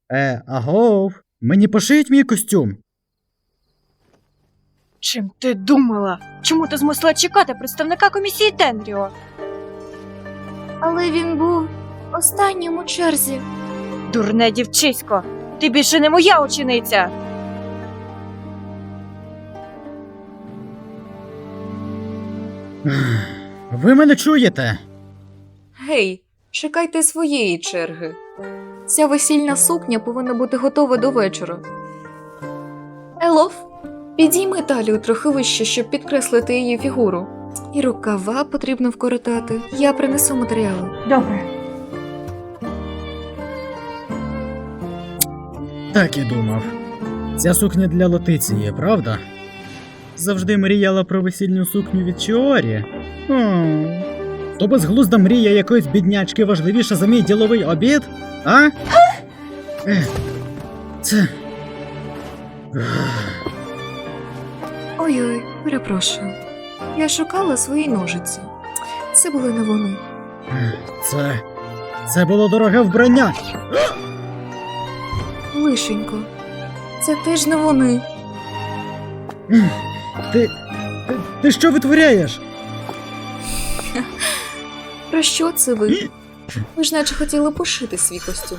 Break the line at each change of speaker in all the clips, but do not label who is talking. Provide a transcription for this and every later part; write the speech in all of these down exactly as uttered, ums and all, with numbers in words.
Е, агов, мені пошиють мій костюм.
Чим ти думала? Чому ти змусила чекати представника комісії Тенріо?
Але він був останнім у черзі.
Дурне дівчисько, ти більше не моя учениця.
Ви мене чуєте?
Гей, чекайте своєї черги. Ця весільна сукня повинна бути готова до вечора. Елоф, підійми талію трохи вище, щоб підкреслити її фігуру. І рукава потрібно вкоротати. Я принесу матеріали.
Добре.
Так і думав. Ця сукня для Лотиції, правда? Завжди мріяла про весільну сукню від Чіорі. О, то безглузда мрія якоїсь біднячки важливіша за мій діловий обід? А? Е, це...
Ой-ой, перепрошую. Я шукала свої ножиці. Це були не вони.
Це... Це було дороге вбрання!
Лишенько. Це теж не вони.
Ти... Ти, ти що витворяєш?
Про що це ви? Ви ж наче хотіли пошити свій костюм.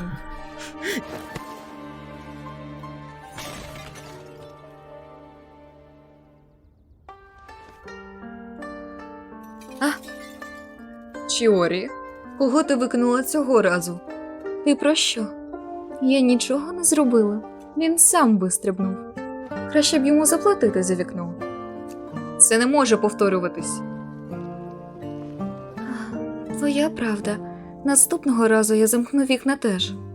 А? Чіорі, кого ти викинула цього разу? Ти про що? Я нічого не зробила. Він сам вистрибнув. Краще б йому заплатити за вікно. Це не може повторюватись. Твоя правда. Наступного разу я замкну вікна теж.